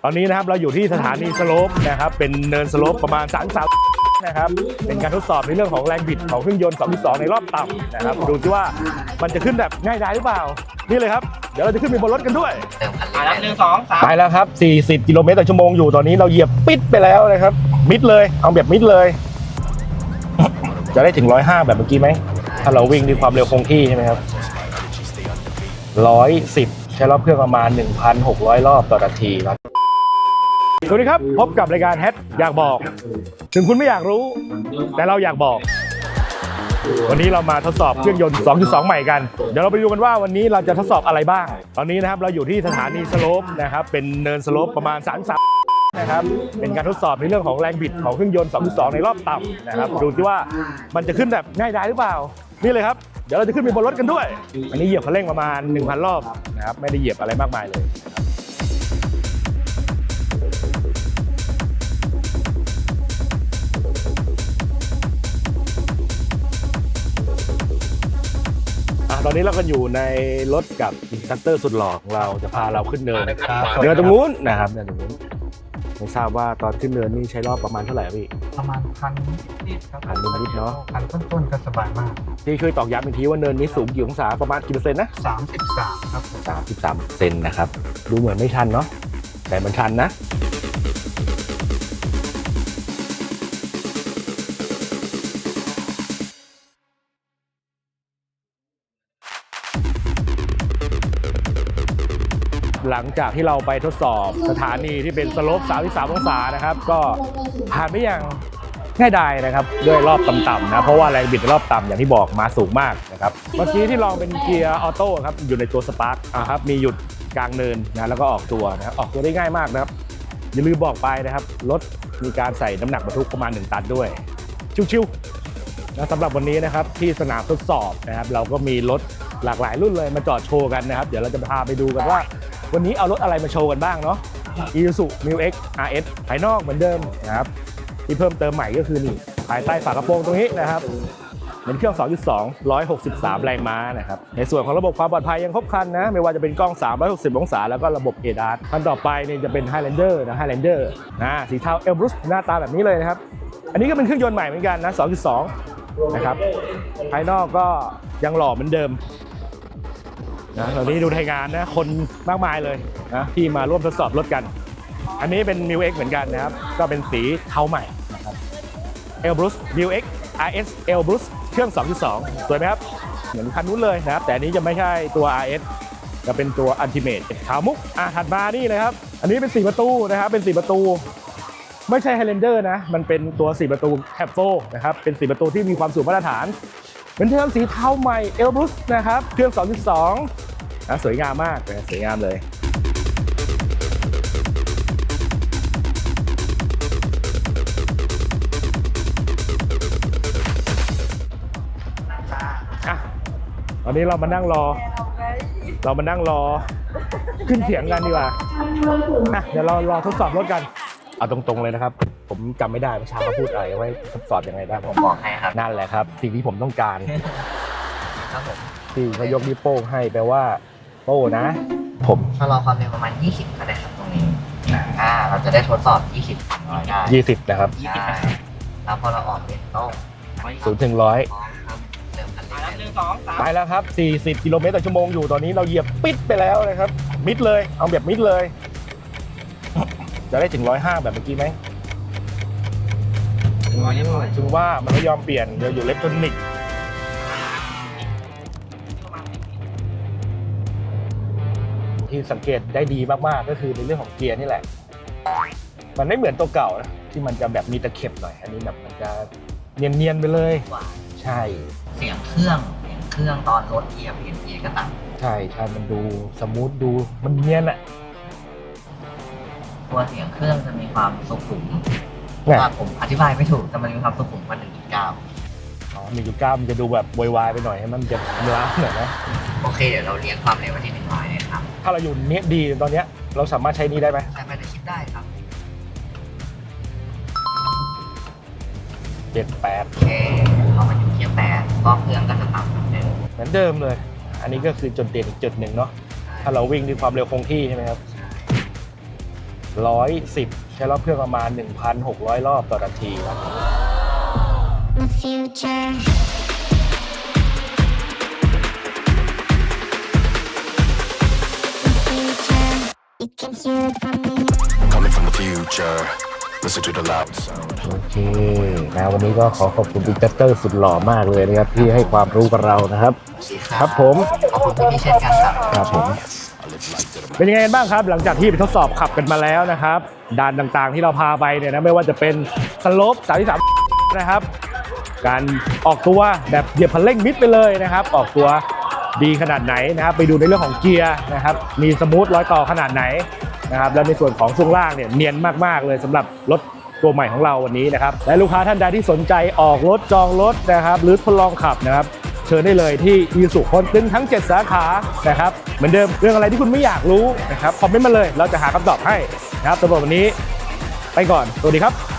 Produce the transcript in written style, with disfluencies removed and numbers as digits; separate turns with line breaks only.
ตอนนี้นะครับเราอยู่ที่สถานีสโลปนะครับเป็นเนินสโลปประมาณ33นะครับเป็นการทดสอบในเรื่องของแรงบิดของเครื่องยนต์ 2.2 ในรอบต่ำนะครับดูซิว่ามันจะขึ้นแบบง่ายดายหรือเปล่านี่เลยครับเดี๋ยวเราจะขึ้นไปบนรถกันด้วย
ไปแล้ว1 2 3
ไปแล้วครับ40กิโลเมตรต่อชั่วโมงอยู่ตอนนี้เราเหยียบปิดไปแล้วนะครับมิดเลยเอาแบบมิดเลยจะได้ถึง105แบบเมื่อกี้ไหมถ้าเราวิ่งด้วยความเร็วคงที่ใช่ไหมครับ110ใช้รอบเครื่องประมาณ 1,600 รอบต่อนาทีครับสวัสดีครับพบกับรายการแฮชอยากบอกถึงคุณไม่อยากรู้แต่เราอยากบอกวันนี้เรามาทดสอบเครื่องยนต์ 2.2 ใหม่กันเดี๋ยวเราไปดูกันว่าวันนี้เราจะทดสอบอะไรบ้างตอนนี้นะครับเราอยู่ที่สถานีสโลปนะครับเป็นเนินสโลปประมาณ33นะครับเป็นการทดสอบในเรื่องของแรงบิดของเครื่องยนต์ 2.2 ในรอบต่ำนะครับดูซิว่ามันจะขึ้นแบบง่ายดายหรือเปล่านี่เลยครับเดี๋ยวเราจะขึ้นไปบนรถกันด้วยอันนี้เหยียบคันเร่งประมาณ 1,000 รอบนะครับไม่ได้เหยียบอะไรมากมายเลยตอนนี้เราก็อยู่ในรถกับอินสตรัคเตอร์สุดหล่อของเราจะพาเราขึ้นเนินเนินตรงนู้นนะครับเนินตรงนู้นไม่ทราบว่าตอนขึ้นเนินนี่ใช้รอบประมาณเท่าไหร่พี่
ประมาณ1,000 นิดครับ
1,000 นิดเนาะ
1,000 ต้นๆก็สบายมาก
ที่ช่วยตอกย้ำอีกทีว่าเนินนี้สูงกี่องศาประมาณกี่เปอร์เซ็นต์นะ
33ครับ
33%นะครับดูเหมือนไม่ชันเนาะแต่มันชันนะหลังจากที่เราไปทดสอบสถานีที่เป็นสโลป33 องศานะครับก็ผ่านไปอย่างง่ายดายนะครับด้วยรอบต่ำๆนะเพราะว่าแรงบิดในรอบต่ำอย่างที่บอกมาสูงมากนะครับเมื่อกี้ที่ลองเป็นเกียร์ออโต้ครับอยู่ในตัวสปาร์คครับมีหยุดกลางเนินนะแล้วก็ออกตัวนะครับออกตัวได้ง่ายมากนะครับอย่าลืมบอกไปนะครับรถมีการใส่น้ำหนักบรรทุกประมาณ1 ตันด้วยชิวๆนะสำหรับวันนี้นะครับที่สนามทดสอบนะครับเราก็มีรถหลากหลายรุ่นเลยมาจอดโชว์กันนะครับเดี๋ยวเราจะพาไปดูกันว่าวันนี้เอารถอะไรมาโชว์กันบ้างเนาะ Isuzu MU-X RS ภายนอกเหมือนเดิมนะครับที่เพิ่มเติมใหม่ก็คือนี่ภายใต้ฝากระโปรงตรงนี้นะครับเป็นเครื่อง 2.2 163 แรงม้านะครับในส่วนของระบบความปลอดภัยยังครบครันนะไม่ว่าจะเป็นกล้อง360 องศาแล้วก็ระบบ ADAS คันต่อไปเนี่ยจะเป็น Highlander นะ Highlander สีเทา Elbrus หน้าตาแบบนี้เลยนะครับอันนี้ก็เป็นเครื่องยนต์ใหม่เหมือนกันนะ 2.2 นะครับภายนอกก็ยังหล่อเหมือนเดิมนะตอนนี้ดูไทยงานนะคนมากมายเลยนะที่มาร่วมทดสอบรถกันอันนี้เป็น MU-X เหมือนกันนะครับก็เป็นสีเทาใหม่นะครับ Elbrus MU-X RS Elbrus เครื่อง 2.2 สวยไหมครับเหมือนคันนู้นเลยนะครับแต่อันนี้จะไม่ใช่ตัว RS จะเป็นตัว Ultimate ขาวมุกถัดมานี่เลยครับอันนี้เป็น4 ประตูนะครับเป็น4 ประตูไม่ใช่ Highlander นะมันเป็นตัว4 ประตู Cab 4นะครับเป็น4 ประตูที่มีความสูงมาตรฐานเป็นเทอมสีเทาใหม่ Elbrus นะครับเครื่อง 2.2 สวยงามมากเลยสวยงามเลยตอนนี้เรามานั่งรอขึ้นเถียงกันดีกว่าเดี๋ยวเรารอทดสอบรถกันเอาตรงๆเลยนะครับผมจำไม่ได้ว่าชาเขาพูดอะไรไว้ทดสอบยังไงได้
ผมบอกให้ครับ
นั่นแหละครับสิ่งที่ผมต้องการ
ครับผม
ที่เขายกนิ้วโป้งให้แปลว่าโป้นะผม
ชะลอความเร็วประมาณ20ก็ได้ครับตรงนี้เราจะได้ทดสอบ20ได้
20นะครับ
แล้วพอเราออกเป็นโต้
0 ถึง 100ไปแล้วครับ40 กิโลเมตรต่อชั่วโมงอยู่ตอนนี้เราเหยียบปิดไปแล้วนะครับมิดเลยเอาแบบมิดเลยจะได้ถึง105แบบเมื่อกี้ไหมถึงว่ามันไม่ยอมเปลี่ยนเดี๋ยวอยู่อิเล็กทรอนิกส์ที่สังเกตได้ดีมากๆก็คือในเรื่องของเกียร์นี่แหละมันไม่เหมือนตัวเก่านะที่มันจะแบบมีตะเข็บหน่อยอันนี้แบบมันจะเนียนๆไปเลยใช่
เสียงเครื่องตอนรถเหยียบเปลี่ยนเกียร์ก็ต่าง
ใช่มันดูสมูทดูมันเนียนอะ
ตัวเสียงเครื่องจะมีความสุขุมว่าผมอธิบายไม่ถูกแต่มันมีความสุขุมกว่า 1.9
1.9 มันจะดูแบบวายไปหน่อยให้มันจะล้าหน่อยนะ
โอเคเดี๋ยวเราเลี้ยงความเร็วไว้ที่100เลยครับ
ถ้าเราอยู่เนี้ยดีตอนเนี้ยเราสามารถใช้นี้ได้ไหม
ใช้ไปในคลิปได้ครับ
7-8
โอเคเรามาอยู่เกียร์8ก็เครื่องก็จะต่ำเหมือน
เดิมเลยอันนี้ก็คือจุดเด่นอีกจุดหนึ่งเนาะถ้าเราวิ่งด้วยความเร็วคงที่ใช่ไหมครับ 110 ใช้รอบเครื่องประมาณ 1,600 รอบต่อนาทีครับ
The future. The future. You can hear it from me.
Coming from the future, listen to the loud sound.
โอเคนะวันนี้ก็ขอขอบคุณบิ๊กเตอร์สุดหล่อมากเลยนะครับที่ให้ความรู้กับเรานะครับ ครับผม
ขอบคุณพี่ๆเช่นกันครับ
ครับผมเป็นยังไงกันบ้างครับหลังจากที่ไปทดสอบขับกันมาแล้วนะครับด่านต่างๆที่เราพาไปเนี่ยนะไม่ว่าจะเป็นสโลป33นะครับการออกตัวแบบเหยียบคันเร่งมิดไปเลยนะครับออกตัวดีขนาดไหนนะครับไปดูในเรื่องของเกียร์นะครับมีสมูทรอยต่อขนาดไหนนะครับแล้วในส่วนของช่วงล่างเนี่ยเนียนมากๆเลยสำหรับรถตัวใหม่ของเราวันนี้นะครับและลูกค้าท่านใดที่สนใจออกรถจองรถนะครับหรือทดลองขับนะครับเชิญได้เลยที่อีซูคนตึงทั้ง 7 สาขานะครับเหมือนเดิมเรื่องอะไรที่คุณไม่อยากรู้นะครับคอมเมนต์มาเลยเราจะหาคำตอบให้นะครับสำหรับวันนี้ไปก่อนสวัสดีครับ